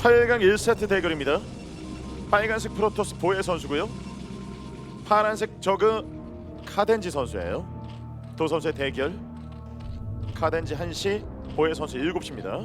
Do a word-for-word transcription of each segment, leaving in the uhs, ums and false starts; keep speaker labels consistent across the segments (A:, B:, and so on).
A: 팔 강 일 세트 대결입니다. 빨간색 프로토스 보혜 선수고요. 파란색 저그 카덴지 선수예요. 두 선수의 대결. 카덴지 한 시, 보혜 선수 일곱 시입니다.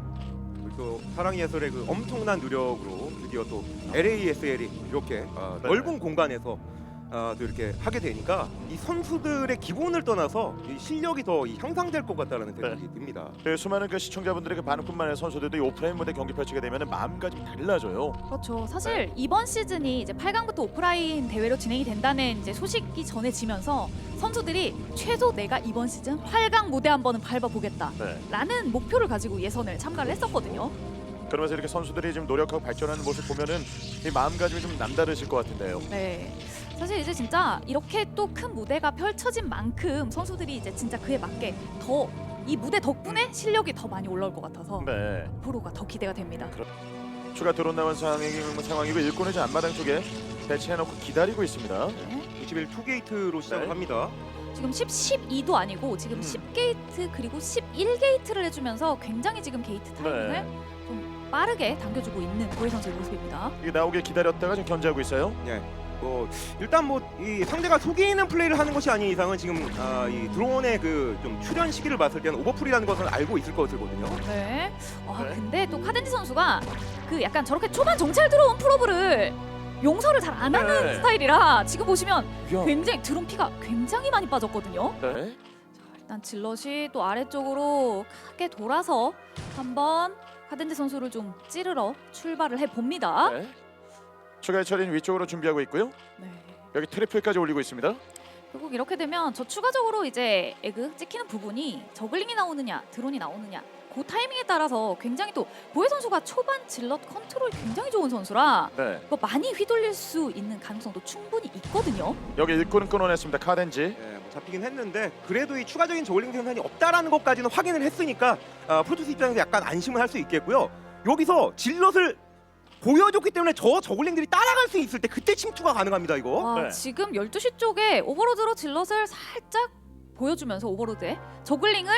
B: 또 사랑의 예술의 그 엄청난 노력으로 드디어 또 엘에이에스엘이 이렇게 어,
A: 네.
B: 넓은 공간에서 어, 또 이렇게 하게 되니까 이 선수들의 기본을 떠나서 이 실력이 더 이 향상될 것 같다는 생각이
A: 네.
B: 듭니다.
A: 그 수많은 그 시청자분들의 그 반응뿐만 아니라 선수들도 이 오프라인 무대 경기 펼치게 되면 마음가짐이 달라져요.
C: 그렇죠. 사실 이번 시즌이 이제 팔 강부터 오프라인 대회로 진행이 된다는 이제 소식이 전해지면서 선수들이 최소 내가 이번 시즌 팔 강 무대 한 번은 밟아보겠다
A: 네.
C: 라는 목표를 가지고 예선을 참가를 했었거든요.
A: 그러면서 이렇게 선수들이 지금 노력하고 발전하는 모습 보면은 이 마음가짐이 좀 남다르실 것 같은데요.
C: 네. 사실 이제 진짜 이렇게 또 큰 무대가 펼쳐진 만큼 선수들이 이제 진짜 그에 맞게 더 이 무대 덕분에 실력이 더 많이 올라올 것 같아서
A: 네.
C: 앞으로가 더 기대가 됩니다.
A: 추가 드론 나온 상황이, 상황이고 일꾼을 이제 앞마당 쪽에 배치해놓고 기다리고 있습니다.
C: 네.
B: 이십일 투 게이트로 시작을
A: 네.
B: 합니다.
C: 지금 십, 십이도 아니고 지금
A: 음.
C: 십 게이트 그리고 십일 게이트를 해주면서 굉장히 지금 게이트 타이밍을
A: 네.
C: 좀 빠르게 당겨주고 있는 보혜 선수의 모습입니다.
A: 이게 나오길 기다렸다가 지금 견제하고 있어요.
B: 예. 뭐 일단 뭐 이 상대가 속이는 플레이를 하는 것이 아닌 이상은 지금 아, 이 드론의 그 좀 출현 시기를 봤을 때는 오버풀이라는 것은 알고 있을 것이거든요.
C: 네. 아
A: 네.
C: 근데 또 카덴지 선수가 그 약간 저렇게 초반 정찰 들어온 프로브를 용서를 잘 안 하는
A: 네.
C: 스타일이라 지금 보시면
A: 야.
C: 굉장히 드론 피가 굉장히 많이 빠졌거든요.
A: 네.
C: 일단 질럿이 또 아래쪽으로 크게 돌아서 한번 카덴지 선수를 좀 찌르러 출발을 해 봅니다.
A: 네. 추가 처리는 위쪽으로 준비하고 있고요.
C: 네.
A: 여기 트리플까지 올리고 있습니다.
C: 결국 이렇게 되면 저 추가적으로 이제 에그 찍히는 부분이 저글링이 나오느냐 드론이 나오느냐 그 타이밍에 따라서 굉장히 또 보혜 선수가 초반 질럿 컨트롤 굉장히 좋은 선수라
A: 네.
C: 뭐 많이 휘둘릴 수 있는 가능성도 충분히 있거든요.
A: 여기 일꾼은 끊어냈습니다. 카덴지.
B: 예, 뭐 잡히긴 했는데 그래도 이 추가적인 저울링 생산이 없다라는 것까지는 확인을 했으니까 아, 프로토스 입장에서 약간 안심을 할 수 있겠고요. 여기서 질럿을 보여줬기 때문에 저 저글링들이 따라갈 수 있을 때 그때 침투가 가능합니다. 이거.
C: 와,
A: 네.
C: 지금 열두 시 쪽에 오버로드로 질럿을 살짝 보여주면서 오버로드에 저글링을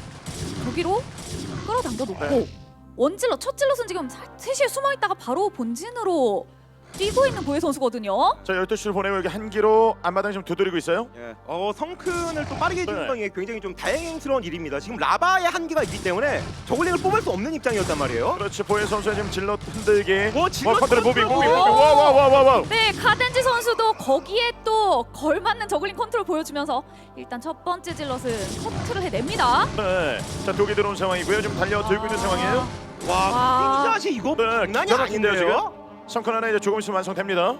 C: 저기로 끌어당겨 놓고
A: 네.
C: 원질럿 첫 질럿은 지금 세 시에 숨어 있다가 바로 본진으로 뛰고 있는 보혜 선수거든요.
A: 자 열두 시를 보내고 여기 한기로 앞마당 지금 두드리고 있어요.
B: 예. 어, 성큰을 또 빠르게 해주는
A: 네.
B: 건 이게 굉장히 좀 다행스러운 일입니다. 지금 라바의 한계가 있기 때문에 저글링을 뽑을 수 없는 입장이었단 말이에요.
A: 그렇지. 보혜 선수의 지금 질럿 흔들기.
B: 뭐 질럿
A: 컨트롤 무빙 무빙.
B: 컨트롤.
A: 와와와와와.
C: 네, 카덴지 선수도 거기에 또 걸맞는 저글링 컨트롤 보여주면서 일단 첫 번째 질럿은 커트를 해냅니다.
A: 네. 자 독이 들어온 상황이고요. 지금 달려 들고 있는 상황이에요.
B: 와,
C: 와.
B: 이 자식 이거
A: 네,
B: 장난이
A: 기가 막힌데요,
B: 아닌데요?
A: 성큰 하나 이제 조금 있으면 완성됩니다.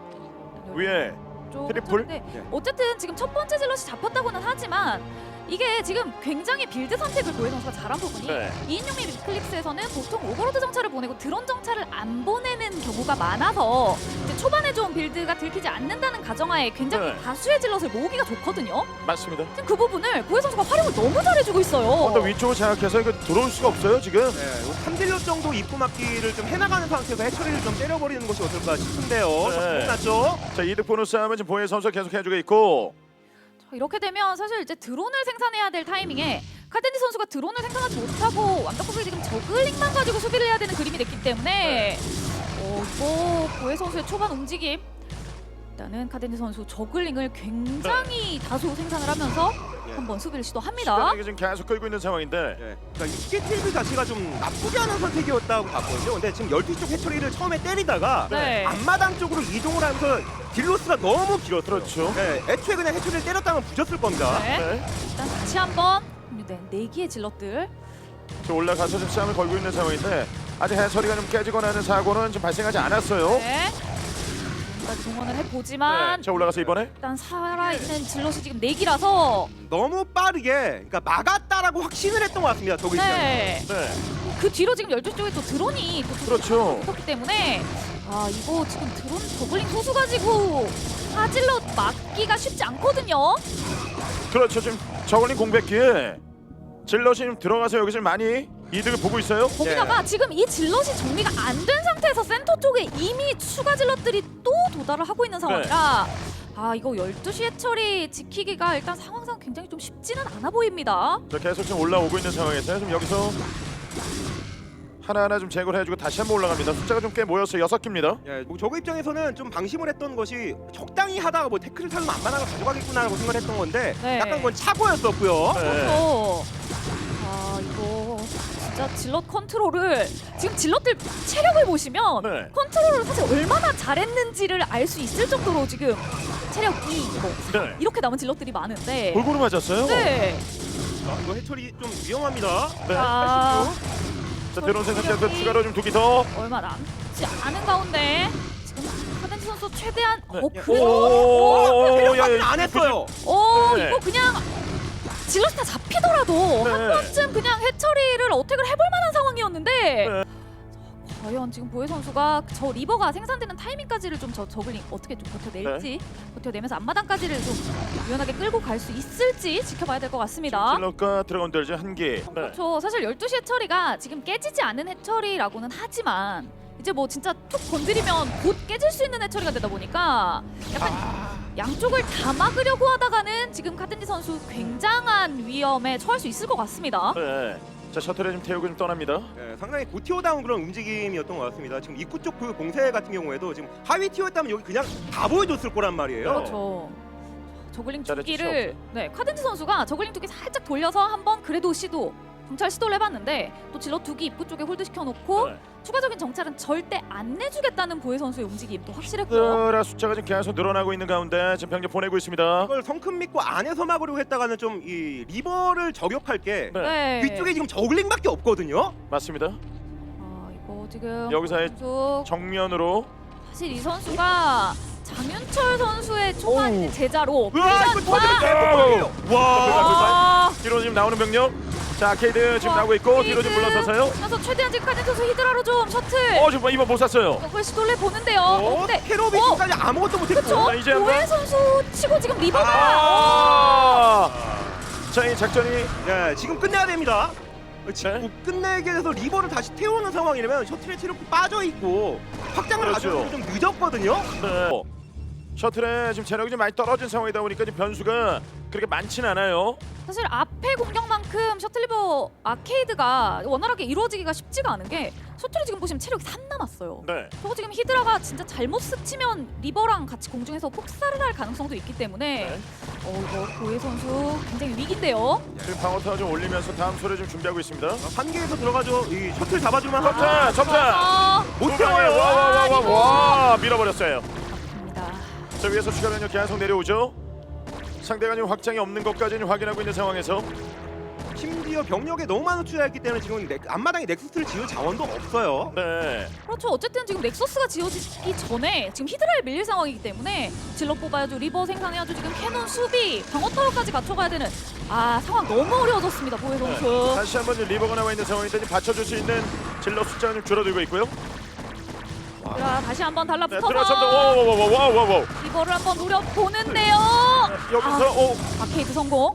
A: 위에
C: 좀
A: 트리플?
C: 네.
B: 네.
C: 어쨌든 지금 첫 번째 질럿이 잡혔다고는 하지만 이게 지금 굉장히 빌드 선택을 보혜 선수가 잘한 부분이
A: 네.
C: 이인용의 위클립스에서는 보통 오버로드 정찰을 보내고 드론 정찰을 안 보내는 경우가 많아서 이제 초반에 좀 빌드가 들키지 않는다는 가정하에 굉장히
A: 네.
C: 다수의 질럿을 모으기가 좋거든요.
A: 맞습니다.
C: 지금 그 부분을 보혜 선수가 활용을 너무 잘해주고 있어요.
A: 언더 위쪽을 장악해서 이거 들어올 수가 없어요 지금.
B: 네, 삼 딜럿 정도 입구 막기를 좀 해나가는 상태에서 해처리를 좀 때려버리는 것이 어떨까 싶은데요.
A: 네.
B: 끝났죠?
A: 자 이득 보너스 싸움은 지금 보혜 선수가 계속 해주고 있고.
C: 자, 이렇게 되면 사실 이제 드론을 생산해야 될 타이밍에 카덴지 선수가 드론을 생산하지 못하고 완벽하게 지금 저글링만 가지고 수비를 해야 되는 그림이 됐기 때문에 어, 이거 보혜 선수의 초반 움직임 일단은 카덴지 선수 저글링을 굉장히 다수 생산을 하면서
B: 예.
C: 한번 수비를 시도합니다.
A: 시간이 지금 계속 끌고 있는 상황인데.
B: 예. 그러니까 이 스케이틀 자체가 좀 나쁘지 않은 선택이었다고 봤거든요. 근데 지금 열두 시 쪽 해처리를 처음에 때리다가
C: 네.
B: 앞마당 쪽으로 이동을 하면서 딜로스가 너무 길었어요.
A: 그렇죠.
B: 네, 애초에 그냥 해처리를 때렸다면 부졌을 겁니다.
C: 네.
A: 네.
C: 일단 다시 한번 네, 네 개의 질럿들
A: 저 올라가서 지금 싸움을 걸고 있는 상황인데 아직 해처리가 좀 깨지거나 하는 사고는 지금 발생하지 않았어요.
C: 네. 지금까지 동원을 해보지만
A: 네. 자 올라가서 이번에
C: 일단 살아있는 질럿이 지금 네 기라서
B: 너무 빠르게 그러니까 막았다라고 확신을 했던 것 같습니다. 저기 있어요.
C: 네.
A: 네.
C: 그 뒤로 지금 열두 시 쪽에 또 드론이 또
A: 그렇죠.
C: 붙었기 때문에 아 이거 지금 드론 저글링 소수 가지고 하질럿 막기가 쉽지 않거든요.
A: 그렇죠. 지금 저걸린 공백기에 질럿이 지금 들어가서 여기 지금 많이 이득을 보고 있어요.
C: 거기다가 지금 이 질럿이 정리가 안 된 상태에서 센터 쪽에 이미 추가 질럿들이 또 도달을 하고 있는 상황이라 아 이거 열두 시 해처리 지키기가 일단 상황상 굉장히 좀 쉽지는 않아 보입니다.
A: 자 계속 지금 올라오고 있는 상황에서 지금 여기서 하나하나 좀 제거를 해주고 다시 한번 올라갑니다. 숫자가 좀 꽤 모였어요. 여섯 개입니다.
B: 예, 뭐 저그 입장에서는 좀 방심을 했던 것이 적당히 하다가 뭐 태클을 살면 안마나가 가져가겠구나라고 생각을 했던 건데
C: 네.
B: 약간 그건 착오였었고요.
A: 네.
C: 그렇죠. 아 이거 진짜 질럿 컨트롤을 지금 질럿들 체력을 보시면
A: 네.
C: 컨트롤을 사실 얼마나 잘했는지를 알 수 있을 정도로 지금 체력 이, 뭐
A: 네.
C: 이렇게 남은 질럿들이 많은데.
A: 골고루 맞았어요.
C: 네.
B: 아, 이거 해철이 좀 위험합니다.
A: 네.
C: 자,
A: 자, 드론 생산자도
C: 체력이
A: 추가로 좀 두 개 더.
C: 얼마 남지 않은 가운데 지금 카덴지 선수 최대한
A: 네.
C: 어
B: 야,
C: 그래도
A: 오,
B: 체력까지는
A: 야, 야,
B: 안 했어요.
C: 어
A: 네.
C: 이거 그냥 질럿이 다 잡히더라도
A: 네.
C: 한 번쯤 그냥 해처리를 어택을 해볼 만한 상황이었는데
A: 네.
C: 과연 지금 보혜 선수가 저 리버가 생산되는 타이밍까지를 좀 저 저글링 어떻게 좀 버텨낼지 버텨내면서 앞마당까지를 좀 유연하게 끌고 갈 수 있을지 지켜봐야 될 것 같습니다.
A: 질럿과 드래곤들 이제 한 개. 네.
C: 그렇죠. 사실 열두 시 해처리가 지금 깨지지 않은 해처리라고는 하지만 이제 뭐 진짜 툭 건드리면 곧 깨질 수 있는 해처리가 되다 보니까 약간
B: 아,
C: 양쪽을 다 막으려고 하다가는 지금 카덴지 선수 굉장한 위험에 처할 수 있을 것 같습니다.
A: 네. 자, 셔틀에 좀 태우고 좀 떠납니다.
B: 예, 상당히 고티어다운 그런 움직임이었던 것 같습니다. 지금 입구 쪽 그 봉쇄 같은 경우에도 지금 하위 티어였다면 여기 그냥 다 보여줬을 거란 말이에요.
C: 그렇죠. 저글링
A: 잘했죠.
C: 두기를 네 카덴지 선수가 저글링 두기 살짝 돌려서 한번 그래도 시도 정찰 시도를 해봤는데 또 질럿 두기 입구 쪽에 홀드 시켜놓고
A: 네.
C: 추가적인 정찰은 절대 안 내주겠다는 보혜 선수의 움직임도 확실했고요.
A: 으라, 숫자가 지금 계속 늘어나고 있는 가운데 지금 병력 보내고 있습니다.
B: 이걸 성큼 믿고 안에서 막으려고 했다가는 좀 이 리버를 저격할 게
A: 네.
C: 네.
B: 위쪽에 지금 저글링밖에 없거든요.
A: 맞습니다.
C: 아 이거 지금
A: 여기서의
C: 선수
A: 정면으로
C: 사실 이 선수가 장윤철 선수의 초반
A: 오우.
C: 이제 제자로
B: 으아, 이거
C: 훈련과
B: 터지면 대박이에요. 와.
C: 아,
A: 뒤로 지금 나오는 병력. 자, 아케이드 지금
C: 와,
A: 나오고 있고 뒤로 좀
C: 히드.
A: 물러서서요.
C: 그래서 최대한 지금 카덴 선수 히드라로 좀 셔틀
A: 어, 지금 이번 못 샀어요.
C: 이걸 시도를 보는데요.
B: 어,
C: 근데
B: 캐로비
C: 어.
B: 지금까지 아무것도 못했고.
C: 그쵸?
A: 자, 이제 한번.
C: 보혜 선수 치고 지금 리버가
A: 아! 자, 이 작전이
B: 네, 지금 끝내야 됩니다. 지금
A: 네.
B: 끝내게 돼서 리버를 다시 태우는 상황이라면 셔틀의 체력이 빠져 있고 확장을
A: 그렇죠.
B: 가져오기 좀 늦었거든요.
A: 네. 셔틀에 지금 체력이 좀 많이 떨어진 상황이다 보니까 지금 변수가 그렇게 많지는 않아요.
C: 사실 앞에 공격만큼 셔틀리버 아케이드가 원활하게 이루어지기가 쉽지가 않은 게 셔틀이 지금 보시면 체력이 삼 남았어요.
A: 네.
C: 저거 지금 히드라가 진짜 잘못 스치면 리버랑 같이 공중에서 폭살을 할 가능성도 있기 때문에
A: 네.
C: 어 이거 보혜 선수 굉장히 위기인데요.
A: 지금 방어 타워 좀 올리면서 다음 소리 좀 준비하고 있습니다.
B: 한 개에서 들어가죠. 이 셔틀 잡아주면 하고
A: 점차, 점차.
C: 아,
B: 못
A: 두 방에
B: 태워요.
A: 와, 와, 와, 와,
C: 리버.
A: 와, 밀어버렸어요.
C: 입니다.
A: 자, 위에서 추가 변력 계속 내려오죠. 상대가 지금 확장이 없는 것까지는 확인하고 있는 상황에서
B: 심지어 병력에 너무 많은 투자했기 때문에 지금 넥, 앞마당에 넥서스를 지을 자원도 없어요.
A: 네.
C: 그렇죠. 어쨌든 지금 넥서스가 지어지기 전에 지금 히드라에 밀릴 상황이기 때문에 질럿 뽑아야죠. 리버 생산해야죠. 지금 캐논 수비, 방어 타워까지 갖춰가야 되는 아 상황 너무 어려워졌습니다. 보혜 선수.
A: 네. 다시 한번 지금 리버가 나와 있는 상황인데 지금 받쳐줄 수 있는 질러 숫자가 좀 줄어들고 있고요.
C: 자, 다시 한번
A: 네,
C: 달라붙어서
A: 들어섭니다. 와와와와와와.
C: 리버를 한번 노려보는데요.
A: 여기서 오.
C: 아케이드 성공.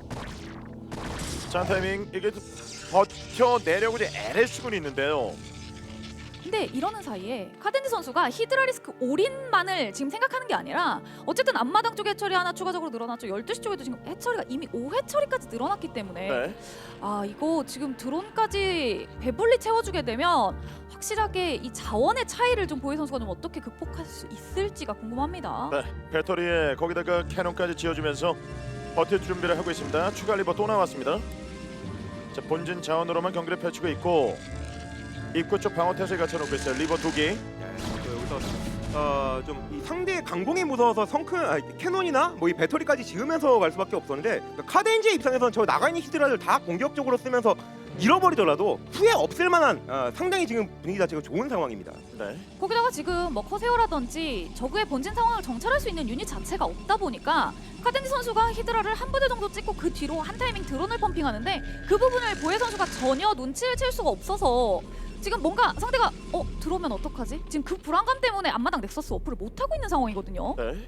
A: 자, 타이밍 이게 버텨 내려고 이제 엘에스군이 있는데요.
C: 근데 이러는 사이에 카덴지 선수가 히드라 리스크 올인만을 지금 생각하는 게 아니라 어쨌든 앞마당 쪽 해처리 하나 추가적으로 늘어났죠. 열두 시 쪽에도 지금 해처리가 이미 오 해처리까지 늘어났기 때문에
A: 네.
C: 아 이거 지금 드론까지 배불리 채워주게 되면 확실하게 이 자원의 차이를 좀 보혜 선수가 좀 어떻게 극복할 수 있을지가 궁금합니다.
A: 네. 배터리에 거기다가 캐논까지 지어주면서 버틸 준비를 하고 있습니다. 추가 리버 또 나왔습니다. 자, 본진 자원으로만 경기를 펼치고 있고 입구 쪽 방어 태세에 갖춰놓고 있어요. 리버 두 개.
B: 네, 여기서 어, 좀 이 상대의 강공이 무서워서 성큰 아, 캐논이나 뭐 이 배터리까지 지으면서 갈 수밖에 없었는데 그러니까 카덴지의 입장에서는 저 나가 있는 히드라를 다 공격적으로 쓰면서 잃어버리더라도 후회 없을 만한 어, 상당히 지금 분위기 자체가 좋은 상황입니다.
A: 네.
C: 거기다가 지금 뭐 커세어라든지 저그의 본진 상황을 정찰할 수 있는 유닛 자체가 없다 보니까 카덴지 선수가 히드라를 한 부대 정도 찍고 그 뒤로 한 타이밍 드론을 펌핑하는데 그 부분을 보혜 선수가 전혀 눈치를 챌 수가 없어서 지금 뭔가 상대가 어 들어오면 어떡하지? 지금 그 불안감 때문에 앞마당 넥서스 어플을 못 하고 있는 상황이거든요.
A: 네.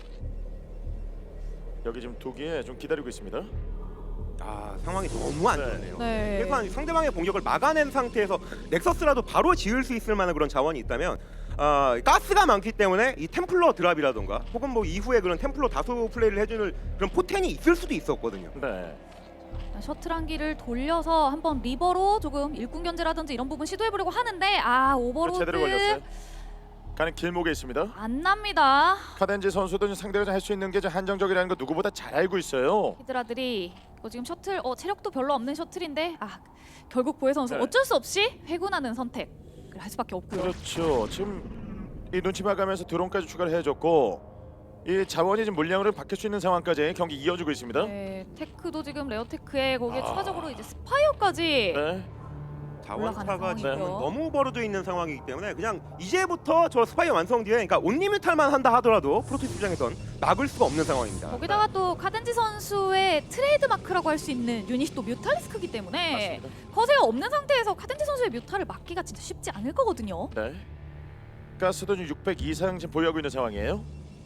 A: 여기 지금 두 개 좀 기다리고 있습니다.
B: 아 상황이 너무 안
A: 네.
B: 좋네요.
C: 네.
B: 그래서 상대방의 공격을 막아낸 상태에서 넥서스라도 바로 지을 수 있을 만한 그런 자원이 있다면 어, 가스가 많기 때문에 이 템플러 드랍이라던가 혹은 뭐 이후에 그런 템플러 다수 플레이를 해주는 그런 포텐이 있을 수도 있었거든요.
A: 네.
C: 셔틀 한 기를 돌려서 한번 리버로 조금 일꾼 견제라든지 이런 부분 시도해보려고 하는데 아 오버로드
A: 제대로 걸렸어요. 가는 길목에 있습니다.
C: 안 납니다.
A: 카덴지 선수도 상대가 할 수 있는 게 좀 한정적이라는 거 누구보다 잘 알고 있어요.
C: 히드라들이 이거 지금 셔틀 어 체력도 별로 없는 셔틀인데 아 결국 보혜 선수
A: 네.
C: 어쩔 수 없이 회군하는 선택을 할 수밖에 없고요.
A: 그렇죠. 지금 이 눈치 봐가면서 드론까지 추가를 해줬고 이 자원이 지금 물량으로 바뀔 수 있는 상황까지 경기 이어지고 있습니다.
C: 네, 테크도 지금 레어테크에 거기에
A: 아.
C: 추가적으로 이제 스파이어까지
A: 네.
B: 자원차가
C: 올라가는
B: 지금
C: 상황이고요.
B: 너무 벌어져 있는 상황이기 때문에 그냥 이제부터 저 스파이어 완성 뒤에 그러니까 온리뮤탈만 한다 하더라도 프로토스 입장에선 막을 수가 없는 상황입니다.
C: 거기다가 또 카덴지 선수의 트레이드 마크라고 할 수 있는 유닛이 또 뮤탈리스크기 때문에
A: 맞습니다.
C: 거세가 없는 상태에서 카덴지 선수의 뮤탈을 막기가 진짜 쉽지 않을 거거든요.
A: 네. 가스도 지금 육백 이상 지금 보유하고 있는 상황이에요.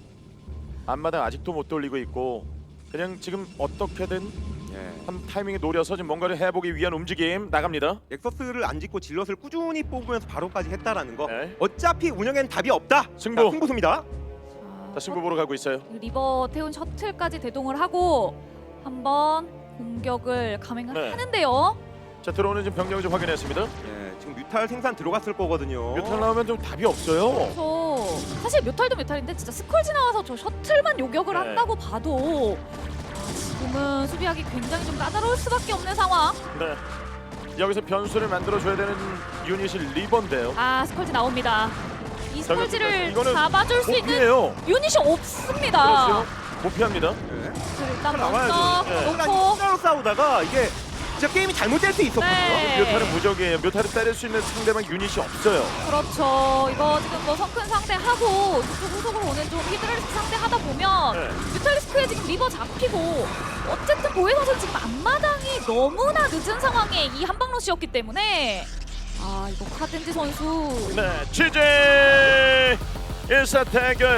A: 앞마당 아직도 못 돌리고 있고 그냥 지금 어떻게든
B: 예.
A: 한 타이밍에 노려서 지금 뭔가를 해보기 위한 움직임 나갑니다.
B: 넥서스를 안 짓고 질럿을 꾸준히 뽑으면서 바로까지 했다라는 거.
A: 네.
B: 어차피 운영에는 답이 없다.
A: 승부.
B: 자, 승부수입니다.
C: 자,
A: 자, 승부 보러 가고 있어요.
C: 리버 태운 셔틀까지 대동을 하고 한번 공격을 감행을
A: 네.
C: 하는데요.
A: 자, 들어오는 지금 병력을 좀 확인했습니다.
B: 예, 지금 뮤탈 생산 들어갔을 거거든요.
A: 뮤탈 나오면 좀 답이 없어요.
C: 저 사실 뮤탈도 뮤탈인데 진짜 스컬지 나와서 저 셔틀만 요격을
A: 네.
C: 한다고 봐도 아, 지금은 수비하기 굉장히 좀 까다로울 수밖에 없는 상황.
A: 네. 여기서 변수를 만들어줘야 되는 유닛이 리버인데요.
C: 아 스컬지 나옵니다. 이
A: 저기,
C: 스컬지를
A: 이거는
C: 잡아줄 수 있는
A: 못피해요.
C: 유닛이 없습니다.
A: 그렇죠. 못 피합니다.
B: 예.
C: 자, 일단
B: 나와야죠.
C: 먼저
A: 네.
C: 놓고
B: 로 싸우다가 이게 진짜 게임이 잘못될 수 있었거든요.
C: 네.
A: 뮤탈은 무적이에요. 뮤탈을 때릴 수 있는 상대방 유닛이 없어요.
C: 그렇죠. 이거 지금 뭐 성큰 상대하고 이쪽 후속으로 오는 좀 히드라리스크 상대하다 보면
A: 네.
C: 뮤탈리스크에 지금 리버 잡히고 어쨌든 보혜 선수 지금 앞마당이 너무나 늦은 상황에 이 한방러시였기 때문에 아 이거 카덴지 선수
A: 네, 취재 일 사 대결